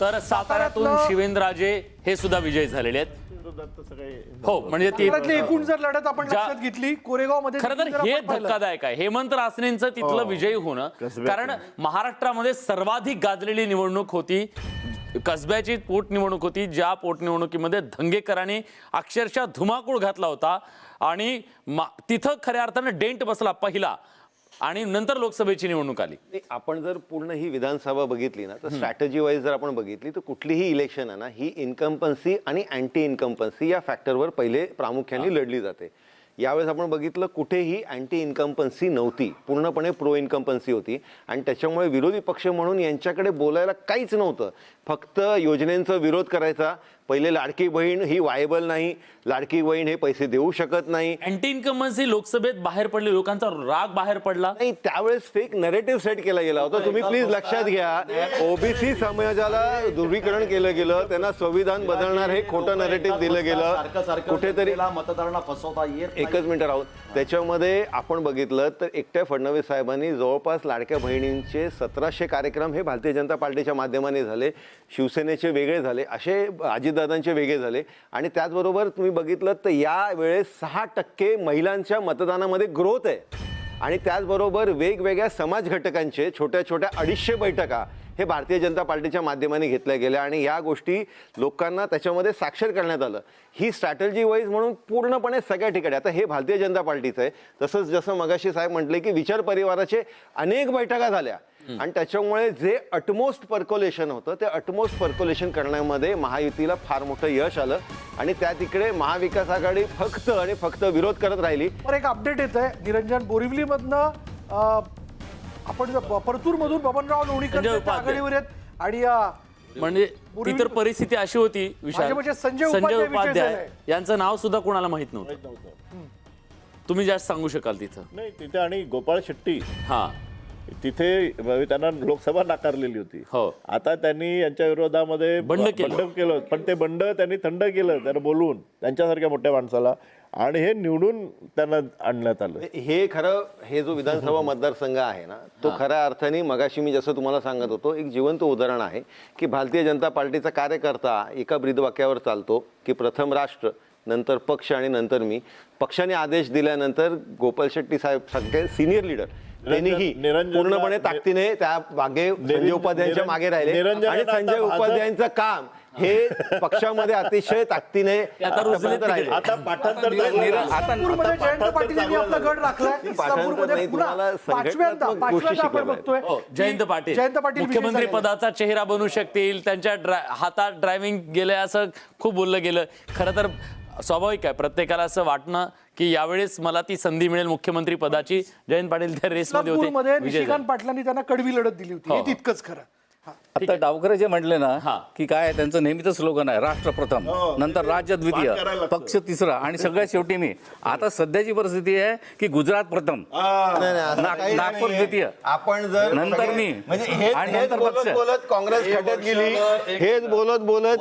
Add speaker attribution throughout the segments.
Speaker 1: तर साताऱ्यातून शिवेंद्रराजे हे सुद्धा विजयी झालेले आहेत. हो, म्हणजे ती
Speaker 2: एकूण जर लढत आपण लक्षात घेतली कोरेगाव मध्ये,
Speaker 1: खरं तर हे धक्कादायक आहे हेमंत रासनेंचं तिथलं विजयी होणं. कारण महाराष्ट्रामध्ये सर्वाधिक गाजलेली निवडणूक होती, कसब्याची पोटनिवडणूक होती, ज्या पोटनिवडणुकीमध्ये धंगेकरांनी अक्षरशः धुमाकूळ घातला होता आणि तिथं खऱ्या अर्थानं डेंट बसला पहिला, आणि नंतर लोकसभेची निवडणूक आली.
Speaker 3: आपण जर पूर्ण ही विधानसभा बघितली ना, तर स्ट्रॅटेजी वाईज जर आपण बघितली तर कुठलीही इलेक्शन आहे ना, ही इन्कम्पन्सी आणि अँटी इन्कम्पन्सी या फॅक्टरवर पहिले प्रामुख्याने लढली जाते. यावेळेस आपण बघितलं कुठेही अँटी इन्कम्पन्सी नव्हती, पूर्णपणे प्रो इन्कम्पन्सी होती. आणि त्याच्यामुळे विरोधी पक्ष म्हणून यांच्याकडे बोलायला काहीच नव्हतं, फक्त योजनेंचा विरोध करायचा. पहिले लाडकी बहीण ही वायबल नाही, लाडकी बहीण हे पैसे देऊ शकत नाही.
Speaker 1: अँटी इन्कम्बन्सी लोकसभेत बाहेर पडली, लोकांचा राग बाहेर पडला
Speaker 3: नाही. त्यावेळेस फेक नरेटिव्ह सेट केला गेला होता. तुम्ही प्लीज लक्षात घ्या, ओबीसी समाजाला ध्रुवीकरण केलं गेलं, त्यांना संविधान बदलणार हे खोटं नरेटिव्ह दिलं गेलं कुठेतरी.
Speaker 4: मतदारांना फसवता येत.
Speaker 3: एकच मिनिट राहून त्याच्यामध्ये आपण बघितलं तर एकट्या फडणवीस साहेबांनी जवळपास लाडक्या बहिणींचे 1700 कार्यक्रम हे भारतीय जनता पार्टीच्या माध्यमाने झाले, शिवसेनेचे वेगळे झाले, असे अजितदादांचे वेगळे झाले. आणि त्याचबरोबर तुम्ही बघितलं तर यावेळेस 6% महिलांच्या मतदानामध्ये ग्रोथ आहे. आणि त्याचबरोबर वेगवेगळ्या समाज घटकांचे छोट्या छोट्या 250 बैठका हे भारतीय जनता पार्टीच्या माध्यमाने घेतल्या गेल्या आणि या गोष्टी लोकांना त्याच्यामध्ये साक्षर करण्यात आलं. ही स्ट्रॅटेजी वाईज म्हणून पूर्णपणे सगळ्या ठिकाणी. आता हे भारतीय जनता पार्टीचं आहे. तसंच जसं मगाशी साहेब म्हटले की विचार परिवाराचे अनेक बैठका झाल्या आणि त्याच्यामुळे जे अटमोस्ट पर्क्युलेशन होतं ते अटमोस्ट पर्क्युलेशन करण्यामध्ये महायुतीला फार मोठं यश आलं आणि त्या तिकडे महाविकास आघाडी फक्त आणि फक्त विरोध करत राहिली.
Speaker 2: पर एक अपडेट येत आहे निरंजन, बोरिवली मधनं आपण परतूर मधून बबनराव लोणीकर आघाडीवर आहेत आणि
Speaker 1: म्हणजे ती तर परिस्थिती अशी होती विशाल,
Speaker 2: म्हणजे संजय
Speaker 1: उपाध्याय यांचं नाव सुद्धा कोणाला माहित नव्हतं. तुम्ही जास्त सांगू शकाल तिथं?
Speaker 5: नाही, तिथे आणि गोपाळ शेट्टी
Speaker 1: हा
Speaker 5: तिथे त्यांना लोकसभा नाकारलेली होती. आता त्यांनी यांच्या विरोधामध्ये बंड केलं, पण ते बंड त्यांनी थंड केलं त्यांना बोलवून, त्यांच्यासारख्या मोठ्या माणसाला, आणि हे निवडून त्यांना आणण्यात आलं.
Speaker 3: हे खरं, हे जो विधानसभा मतदारसंघ आहे ना, तो खऱ्या अर्थाने मगाशी मी जसं तुम्हाला सांगत होतो एक जिवंत उदाहरण आहे की भारतीय जनता पार्टीचा कार्यकर्ता एका ब्रीदवाक्यावर चालतो की प्रथम राष्ट्र, नंतर पक्ष आणि नंतर मी. पक्षाने आदेश दिल्यानंतर गोपाल शेट्टी साहेब सारखे सिनियर लीडर त्यांनीही पूर्णपणे ताकदीने त्या मागे संजय उपाध्यायांच्या मागे राहिले आणि संजय उपाध्यायांचं काम हे पक्षामध्ये अतिशय ताकदीने
Speaker 5: आता पाठांतर
Speaker 2: जयंत पाटील यांनी आपला गड राखलाय. इस्लामपूरमध्ये पुन्हा पाचव्यांदा आपण बघतोय
Speaker 1: जयंत पाटील मुख्यमंत्री पदाचा चेहरा बनू शकतील, त्यांच्या हातात ड्रायव्हिंग गेले असं खूप बोललं गेलं. खरं तर स्वाभाविक आहे, प्रत्येकाला असं वाटणं की यावेळेस मला ती संधी मिळेल मुख्यमंत्री पदाची. जयंत पाटील त्या रेसमध्ये होते.
Speaker 2: निशिकांत पाटलांनी त्यांना कडवी लढत दिली होती, हे तितकंच खरं.
Speaker 6: आता डावकरे जे म्हटले ना की काय त्यांचं नेहमीच स्लोगन आहे राष्ट्र प्रथम, नंतर राज्य द्वितीय, पक्ष तिसरा आणि सगळ्यात शेवटी मी. आता सध्याची परिस्थिती आहे की गुजरात प्रथम, नागपूर द्वितीय,
Speaker 3: आपण जर
Speaker 6: नंतर मी आणि नंतर पक्ष.
Speaker 3: बोलत काँग्रेस खड्यात गेली, हेच बोलत बोलत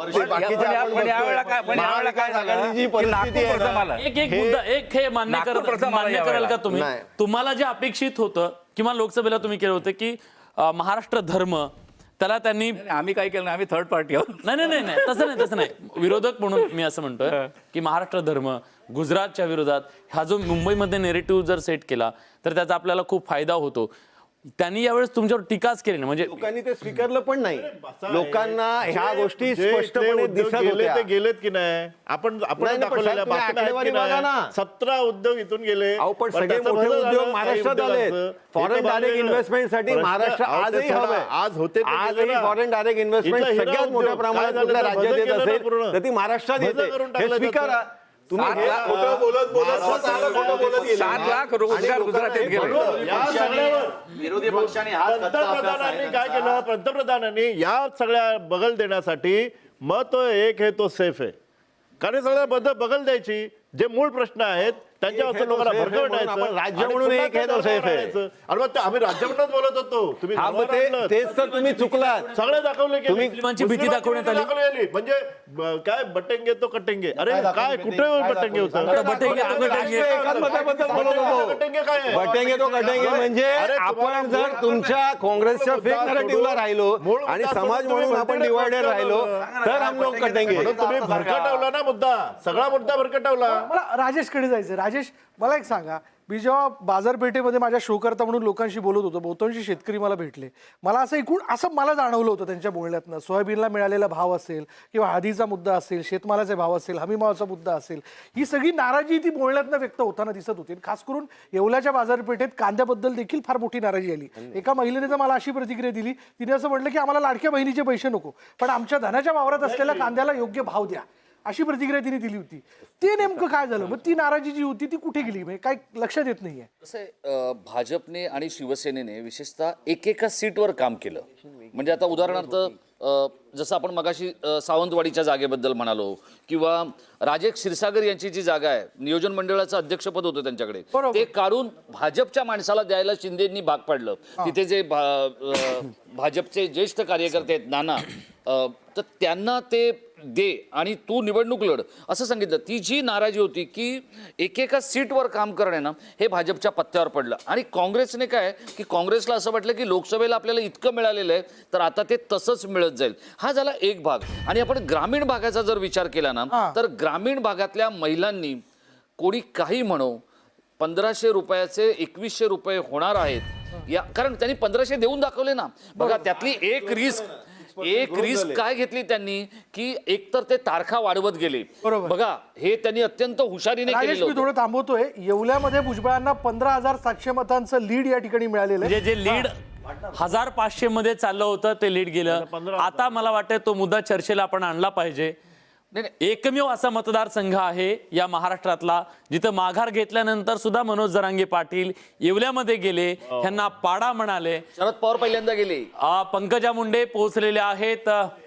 Speaker 1: एक हे मान्य कराल का तुम्ही? तुम्हाला जे अपेक्षित होतं किंवा लोकसभेला तुम्ही केलं होतं की महाराष्ट्र धर्म, त्याला त्यांनी,
Speaker 6: आम्ही काय केलं, आम्ही थर्ड पार्टी आहोत.
Speaker 1: नाही तसं नाही. विरोधक म्हणून मी असं म्हणतोय की महाराष्ट्र धर्म गुजरातच्या विरोधात हा जो मुंबईमध्ये नेरेटिव्ह जर सेट केला तर त्याचा आपल्याला खूप फायदा होतो. त्यांनी यावेळेस तुमच्यावर टीकाच केली ना, म्हणजे
Speaker 3: लोकांनी ते स्वीकारलं पण नाही. लोकांना ह्या गोष्टी स्पष्टपणे दिसत होत्या.
Speaker 5: ते गेलेत की नाही, आपण दाखवलेल्या बातम्या 17 उद्योग इथून गेले.
Speaker 3: पण सगळे मोठे उद्योग महाराष्ट्रात आले. फॉरेन डायरेक्ट इन्व्हेस्टमेंट महाराष्ट्र आजही हवं.
Speaker 5: आज होते,
Speaker 3: आजही फॉरेन डायरेक्ट इन्व्हेस्टमेंट सगळ्यात मोठ्या प्रमाणात कुठल्या राज्यात येत असेल तर ती महाराष्ट्रात येते. हे स्वीकारा. तुम्ही
Speaker 6: 7 लाख रोजगार गुजरातीत गेले.
Speaker 4: विरोधी पक्षाने
Speaker 5: पंतप्रधानांनी काय केलं, पंतप्रधानांनी या सगळ्या बगल देण्यासाठी मग तो एक आहे तो सेफ आहे, कारण सगळ्या बगल द्यायची. जे मूळ प्रश्न आहेत त्यांच्या
Speaker 3: एक
Speaker 5: वरचं
Speaker 3: है तो
Speaker 5: लोकांना
Speaker 3: safe है
Speaker 5: भरकटायचं.
Speaker 3: म्हणून आपण राज्य
Speaker 5: आणि
Speaker 3: म्हणून
Speaker 5: पुन्हा
Speaker 3: एक है तो
Speaker 5: त्या
Speaker 3: safe है.
Speaker 5: आणायचं. अरे मग आम्ही राज्य म्हणूनच बोलत होतो, तुम्ही
Speaker 3: हा, मग
Speaker 5: धर्मावर आणलं.
Speaker 3: तेच तर तुम्ही चुकलात.
Speaker 5: सगळे दाखवले की
Speaker 3: तुम्ही
Speaker 1: मुस्लिमांची भीती दाखवण्यात आली.
Speaker 5: दाखवली. म्हणजे काय बटेंगे तो कटेंगे. अरे काय कुठे बटेंगे होतं
Speaker 1: आता बटेंगे तो कटेंगे.
Speaker 3: राष्ट्रीय एकात्मतेबद्दल बोलत होतो.
Speaker 5: कटेंगे काय आहे?
Speaker 3: बटेंगे तो कटेंगे म्हणजे
Speaker 5: अरे तुम्हाला
Speaker 3: आपण जर
Speaker 5: मूळ-
Speaker 3: तुमच्या काँग्रेसच्या फेक
Speaker 5: मुद्दा
Speaker 3: नरेटिव्हला
Speaker 5: सोडून-
Speaker 3: राहिलो
Speaker 5: मूळ
Speaker 3: आणि
Speaker 5: मुद्दा
Speaker 3: समाज
Speaker 5: सोडून
Speaker 3: म्हणून
Speaker 5: तुम्ही
Speaker 3: आपण
Speaker 5: भलते
Speaker 3: डिवायडेड
Speaker 5: भलते
Speaker 3: राहिलो
Speaker 5: बोलता.
Speaker 3: तर हम लोग कटेंगे.
Speaker 5: म्हणून तुम्ही भरकटवला ना मुद्दा, सगळा मुद्दा भरकटवला.
Speaker 2: मला राजेशकडे जायचं. राजेश, मला एक सांगा, मी जेव्हा बाजारपेठेमध्ये माझ्या शो करता म्हणून लोकांशी बोलत होतो, बहुतांशी शेतकरी मला भेटले. मला असं एकूण असं मला जाणवलं होतं त्यांच्या बोलण्यातनं, सोयाबीनला मिळालेला भाव असेल किंवा हळदीचा मुद्दा असेल, शेतमालाचे भाव असेल, हमीभावाचा मुद्दा असेल, ही सगळी नाराजी ती बोलण्यातनं व्यक्त होताना दिसत होती. खास करून येवल्याच्या बाजारपेठेत कांद्याबद्दल देखील फार मोठी नाराजी आली. एका महिलेने तर मला अशी प्रतिक्रिया दिली, तिने असं म्हटलं की आम्हाला लाडक्या बहिणीचे पैसे नको, पण आमच्या धनाच्या वावरात असलेल्या कांद्याला योग्य भाव द्या, अशी प्रतिक्रिया तिने दिली होती. ते नेमकं काय झालं? मग ती नाराजी जी होती ती कुठे गेली? म्हणजे काय लक्षात येत नाहीये.
Speaker 7: कसं आहे, भाजपने आणि शिवसेनेने विशेषतः एकेका सीटवर काम केलं. म्हणजे आता उदाहरणार्थ जसं आपण मगाशी सावंतवाडीच्या जागेबद्दल म्हणालो, किंवा राजेश क्षीरसागर यांची जी जागा आहे, नियोजन मंडळाचं अध्यक्षपद होतं त्यांच्याकडे,
Speaker 2: बरोबर.
Speaker 7: ते काढून भाजपच्या माणसाला द्यायला शिंदेंनी भाग पाडलं. तिथे जे भाजपचे ज्येष्ठ कार्यकर्ते आहेत नाना, तर त्यांना ते दे आणि तू निवडणूक लढ असं सांगितलं. ती जी नाराजी होती की एकेका सीटवर काम करणं ना, हे भाजपच्या पत्त्यावर पडलं. आणि काँग्रेसने काय की काँग्रेसला असं वाटलं की लोकसभेला आपल्याला इतकं मिळालेलं आहे तर आता ते तसंच मिळत जाईल. हा झाला एक भाग. आणि आपण ग्रामीण भागाचा जर विचार केला ना, तर ग्रामीण भागातल्या महिलांनी कोणी काही म्हणो 1500 रुपयाचे 2100 रुपये होणार आहेत या, कारण त्यांनी 1500 देऊन दाखवले ना. बघा त्यातली एक रिस्क काय घेतली त्यांनी की एकतर ते तारखा वाढवत गेले.
Speaker 2: बरोबर.
Speaker 7: बघा हे त्यांनी अत्यंत हुशारीने
Speaker 2: राजेश,
Speaker 7: केलेलं
Speaker 2: मी
Speaker 7: होतं.
Speaker 2: थोडं थांबवतोय. येवल्यामध्ये भुजबळांना 15,700 मतांचं लीड या ठिकाणी मिळालेलं आहे.
Speaker 1: म्हणजे जे लीड 1500 मध्ये चाललं होतं ते लीड गेलं. आता मला वाटतं तो मुद्दा चर्चेला आपण आणला पाहिजे. एकमेव असा मतदारसंघ आहे या महाराष्ट्रातला जिथं माघार घेतल्यानंतर सुद्धा मनोज जरांगे पाटील येवल्यामध्ये गेले, त्यांना पाडा म्हणाले.
Speaker 7: शरद पवार पहिल्यांदा गेले.
Speaker 1: पंकजा मुंडे पोहोचलेले आहेत.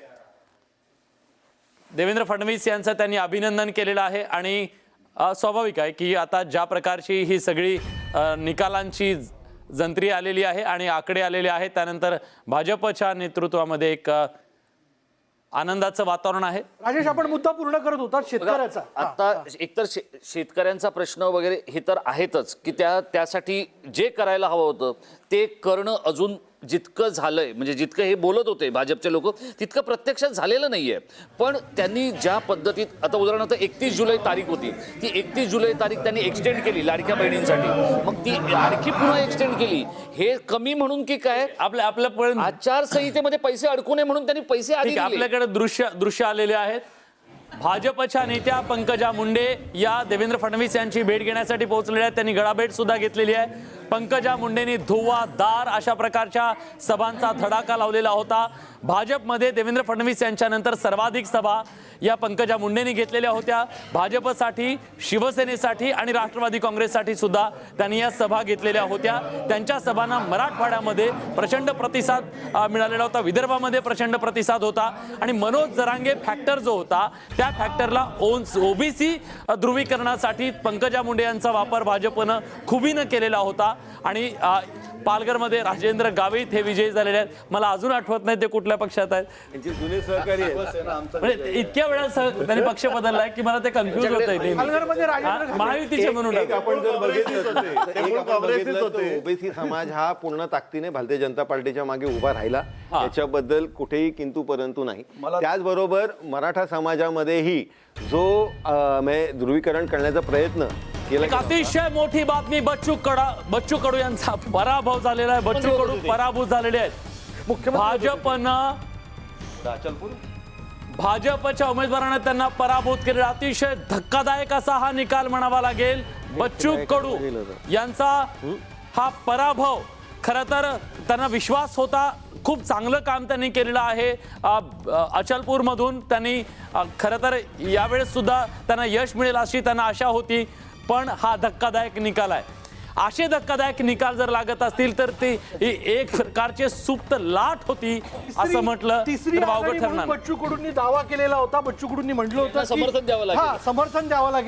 Speaker 1: देवेंद्र फडणवीस यांचं त्यांनी अभिनंदन केलेलं आहे. आणि स्वाभाविक आहे की आता ज्या प्रकारची ही सगळी निकालांची जंत्री आलेली आहे आणि आकडे आलेले आहेत, त्यानंतर भाजपच्या नेतृत्वामध्ये एक आनंदाचं वातावरण आहे.
Speaker 2: राजेश, आपण मुद्दा पूर्ण करत होता शेतकऱ्याचा.
Speaker 7: आता एकतर शेतकऱ्यांचा प्रश्न वगैरे हे तर आहेतच की त्यासाठी जे करायला हवं होतं ते करणं अजून जितकं झालंय, म्हणजे जितकं हे बोलत होते भाजपचे लोक तितकं प्रत्यक्षात झालेलं नाहीये. पण त्यांनी ज्या पद्धतीत, आता उदाहरणार्थ 31 जुलै तारीख होती, ती 31 जुलै तारीख त्यांनी एक्सटेंड केली लाडक्या बहिणींसाठी. मग ती आणखी पुन्हा एक्सटेंड केली. हे कमी म्हणून की काय,
Speaker 1: आपल्या
Speaker 7: आचारसंहितेमध्ये पैसे अडकू नये म्हणून त्यांनी पैसे आधी
Speaker 1: ठीक आहे,
Speaker 7: दिले.
Speaker 1: आपल्याकडे दृश्य आलेले आहेत. भाजपच्या नेत्या पंकजा मुंडे या देवेंद्र फडणवीस यांची भेट घेण्यासाठी पोहोचलेल्या आहेत. त्यांनी गळाभेट सुद्धा घेतलेली आहे. पंकजा मुंडेंनी धुव्वाधार अशा प्रकारच्या सभांचा धडाका लावलेला होता. भाजपमध्ये देवेंद्र फडणवीस यांच्यानंतर सर्वाधिक सभा या पंकजा मुंडेंनी घेतलेल्या होत्या. भाजपसाठी, शिवसेनेसाठी आणि राष्ट्रवादी काँग्रेससाठी सुद्धा त्यांनी या सभा घेतलेल्या होत्या. त्यांच्या सभांना मराठवाड्यामध्ये प्रचंड प्रतिसाद मिळालेला होता, विदर्भामध्ये प्रचंड प्रतिसाद होता. आणि मनोज जरांगे फॅक्टर जो होता त्या फॅक्टरला ओबीसी ध्रुवीकरणासाठी पंकजा मुंडे यांचा वापर भाजपनं खुबीनं केलेला होता. आणि पालघरमध्ये राजेंद्र गावित हे विजयी झालेले आहेत. मला अजून आठवत नाही ते कुठल्या पक्षात आहेत.
Speaker 3: त्यांचे जुने सहकारी आहेत.
Speaker 1: म्हणजे इतक्या वेळा त्यांनी पक्ष बदललाय की मला ते कन्फ्युज होत
Speaker 2: पालघरमध्ये राजेंद्र गावित
Speaker 1: महायुतीचे म्हणून
Speaker 3: एक आपण जर बघितलं
Speaker 5: काँग्रेसच होते.
Speaker 3: ओबीसी समाज हा पूर्ण ताकदीने भारतीय जनता पार्टीच्या मागे उभा राहिला, याच्याबद्दल कुठेही किंतु परंतु नाही. त्याचबरोबर मराठा समाजामध्येही जो ध्रुवीकरण करण्याचा प्रयत्न केला.
Speaker 1: एक अतिशय मोठी बातमी, बच्चू कडू यांचा पराभव झालेला आहे. बच्चू कडू पराभूत झालेले आहेत. भाजपच्या उमेदवाराने त्यांना पराभूत केलेला. अतिशय धक्कादायक असा हा निकाल म्हणावा लागेल. बच्चू कडू यांचा हा पराभव, खरं तर त्यांना विश्वास होता, खूप चांगलं काम त्यांनी केलेलं आहे. अचलपूरमधून त्यांनी खरं तर यावेळेस सुद्धा त्यांना यश मिळेल अशी त्यांना आशा होती. पण हा धक्कादायक निकाल आहे. असे धक्कादायक निकाल जर लागत असतील तर ती एक प्रकारचे सुप्त लाट होती असं म्हटलं
Speaker 2: तिसरी
Speaker 1: तर वावगं
Speaker 2: आघाडी म्हणून
Speaker 1: ठरणार.
Speaker 2: बच्चू कडूंनी दावा केलेला होता. बच्चू कडूंनी म्हटलं होतं
Speaker 7: समर्थन द्यावं लागेल.
Speaker 2: समर्थन द्यावं लागेल.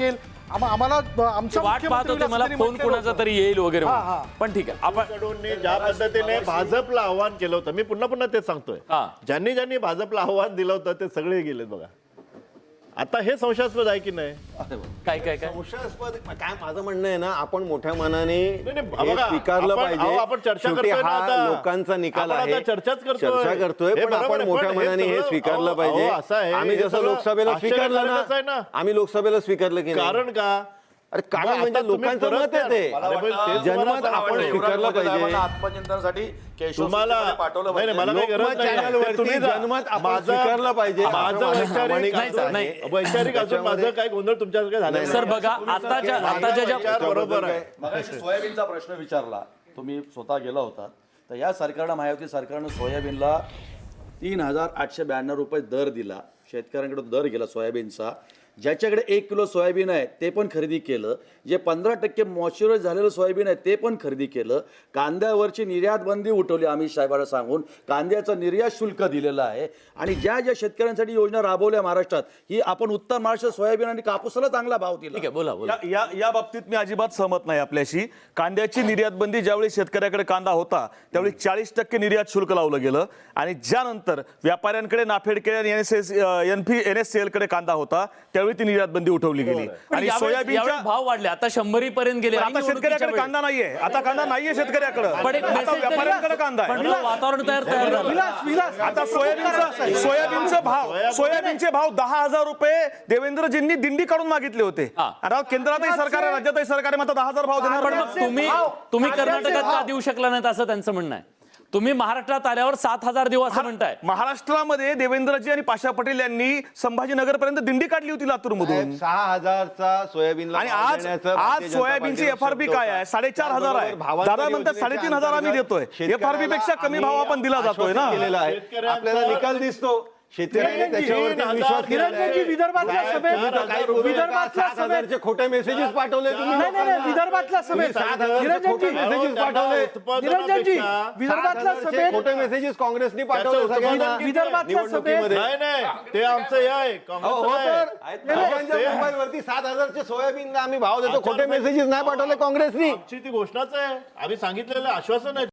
Speaker 2: आम्हाला आमचा
Speaker 1: वाट पाहत होते मला
Speaker 2: मुख्यमंत्री
Speaker 1: फोन कोणाचा तरी येईल वगैरे
Speaker 2: हा,
Speaker 1: म्हणून.
Speaker 2: हा.
Speaker 1: पण ठीक आहे आपण
Speaker 5: कडून ज्या पद्धतीने भाजपला आव्हान केलं होतं, मी पुन्हा पुन्हा तेच सांगतोय,
Speaker 1: हा.
Speaker 5: ज्यांनी ज्यांनी भाजपला आव्हान दिलं होतं ते सगळे गेलेत बघा. आता हे संशयास्पद आहे की नाही?
Speaker 1: काय काय काय
Speaker 3: संशयास्पद काय माझं म्हणणं आहे ना, आपण मोठ्या मनाने
Speaker 5: नाही,
Speaker 3: हे
Speaker 5: बघा,
Speaker 3: स्वीकारलं
Speaker 5: आपण-
Speaker 3: पाहिजे.
Speaker 5: अहो, आपण चर्चा
Speaker 3: शेवटी
Speaker 5: करतोय ना
Speaker 3: हा
Speaker 5: आता.
Speaker 3: लोकांचा निकाल
Speaker 5: आपण
Speaker 3: आहे.
Speaker 5: आता चर्चाच करतोय.
Speaker 3: चर्चा करतोय
Speaker 5: हे
Speaker 3: पण
Speaker 5: बरोबर
Speaker 3: आपण
Speaker 5: आहे,
Speaker 3: मोठ्या
Speaker 5: पण हे
Speaker 3: मनाने हे
Speaker 5: सगळं-
Speaker 3: स्वीकारलं
Speaker 5: अहो,
Speaker 3: पाहिजे.
Speaker 5: असं आहे,
Speaker 3: आम्ही
Speaker 5: हे
Speaker 3: जसं
Speaker 5: सगळं
Speaker 3: लोकसभेला स्वीकारलं
Speaker 5: आश्चर्यकारकच आहे
Speaker 3: ना,
Speaker 5: ना.
Speaker 3: आम्ही लोकसभेला स्वीकारलं की नाही?
Speaker 5: कारण का?
Speaker 3: अरे
Speaker 5: मग
Speaker 3: कारण
Speaker 5: आता
Speaker 3: म्हणजे
Speaker 5: तुम्ही
Speaker 3: लोकांचं
Speaker 5: परत
Speaker 3: मत आहे ते.
Speaker 5: अरे पण तेच
Speaker 3: जनमत
Speaker 5: तुम्हाला
Speaker 3: आपण
Speaker 5: सांगतोय.
Speaker 3: स्वीकारलं पाहिजे.
Speaker 4: आत्मचिंतनासाठी
Speaker 5: तुम्हाला
Speaker 4: पाठवलं
Speaker 5: नाही, नाही, मला काही गरज
Speaker 3: लोकमत
Speaker 5: नाही.
Speaker 3: चॅनलवरती
Speaker 5: तुम्ही जा.
Speaker 3: जनमत आपण
Speaker 5: माझं-
Speaker 3: स्वीकारलं पाहिजे.
Speaker 5: माझं
Speaker 3: असं
Speaker 5: वैचारिक
Speaker 3: प्रामाणिक
Speaker 1: नाही,
Speaker 3: असं
Speaker 1: नाही.
Speaker 3: आहे.
Speaker 5: वैचारिक असून माझं काही गोंधळ तुमच्यासारखं झालं नाही.
Speaker 1: सर बघा आताच्या ज्या
Speaker 5: विचार बरोबर आहे.
Speaker 4: मगाशी सोयाबीनचा प्रश्न विचारला, तुम्ही स्वतः गेला होता. तर या सरकारनं, महायुती सरकारनं सोयाबीनला 3,892 रुपये दर दिला. शेतकऱ्यांकडे दर गेला सोयाबीनचा. ज्याच्याकडे 1 किलो सोयाबीन आहे ते पण खरेदी केलं. जे 15% मॉइश्चराइज झालेलं सोयाबीन आहे ते पण खरेदी केलं. कांद्यावरची निर्यात बंदी उठवली अमित साहेबांना सांगून. कांद्याचं निर्यात शुल्क दिलेलं आहे. आणि ज्या ज्या शेतकऱ्यांसाठी योजना राबवल्या महाराष्ट्रात, ही आपण उत्तर महाराष्ट्र सोयाबीन आणि कापूसाला चांगला भाव दिला.
Speaker 1: ठीक आहे बोला बोला
Speaker 8: या बाबतीत मी अजिबात सहमत नाही आपल्याशी. कांद्याची निर्यात बंदी ज्यावेळी शेतकऱ्याकडे कांदा होता त्यावेळी 40% निर्यात शुल्क लावलं गेलं आणि ज्यानंतर व्यापाऱ्यांकडे नाफेडकडे आणि NSCL कडे कांदा होता त्यावेळी ती निर्यात बंदी उठवली गेली. आणि सोयाबीनच्या
Speaker 1: भाव वाढले आता 100 पर्यंत गेले
Speaker 8: आता शेतकऱ्याकडे कांदा नाहीये. आता कांदा नाहीये शेतकऱ्याकडे.
Speaker 1: पण एक
Speaker 8: आता
Speaker 1: message तरी-
Speaker 8: व्यापाऱ्यांकडे कांदा आहे.
Speaker 1: पण वातावरण तयार झालं.
Speaker 2: विलास
Speaker 8: आता सोयाबीनचे भाव 10,000 रुपये देवेंद्रजींनी दिंडी काढून मागितले होते.
Speaker 1: हा.
Speaker 8: आता केंद्रातही सरकार आहे, राज्यातही सरकार आहे, मात्र 10,000 भाव देणार
Speaker 1: पण
Speaker 8: नाही.
Speaker 1: मग तुम्ही कर्नाटकात का देऊ शकला नाहीत असं त्यांचं म्हणणं आहे. तुम्ही महाराष्ट्रात आल्यावर 7,000 देऊ असं म्हणताय.
Speaker 8: महाराष्ट्रामध्ये देवेंद्रजी आणि पाशा पटेल यांनी संभाजीनगर पर्यंत दिंडी काढली होती लातूरमधून.
Speaker 3: 6,000चा सोयाबीनला
Speaker 8: आणि
Speaker 3: भाव
Speaker 8: आज
Speaker 3: देण्याचं भारतीय जनता
Speaker 8: सोयाबीनची
Speaker 3: पार्टीचा
Speaker 8: FRP
Speaker 3: शब्द
Speaker 8: काय
Speaker 3: होता.
Speaker 8: आहे? 4,500 आहे.
Speaker 3: भावांतर
Speaker 8: दादा म्हणतात
Speaker 3: योजनेच्या
Speaker 8: 3,500 आम्ही देतोय.
Speaker 3: अंतर्गत
Speaker 8: FRP पेक्षा कमी भाव आपण दिला जातोय ना.
Speaker 3: आश्वासन केलेलं आहे. आपल्याला निकाल दिसतो. शेतकऱ्यांनी त्याच्यावरती विश्वास केलेला आहे.
Speaker 2: निरंजनजी विदर्भातल्या सभेत विदर्भातल्या सभेत
Speaker 3: 7,000चे खोटे मेसेजेस पाठवले तुम्ही.
Speaker 2: नाही विदर्भातल्या सभेत
Speaker 3: 7,000चे खोटे मेसेजेस पाठवले.
Speaker 2: निरंजनजी विदर्भातल्या
Speaker 3: 7,000चे
Speaker 2: सभेत
Speaker 3: खोटे मेसेजेस काँग्रेसनी पाठवले सगळ्यांना
Speaker 2: विदर्भातल्या सभेत
Speaker 5: नाही नाही ते आमचं हे आहे
Speaker 3: मोबाईलवरती 7,000चे सोयाबीनला आम्ही भाव देतो. खोटे मेसेजेस नाही पाठवले काँग्रेसनी.
Speaker 5: आमची ती घोषणाच आहे. आम्ही सांगितलेलं आश्वासन आहे.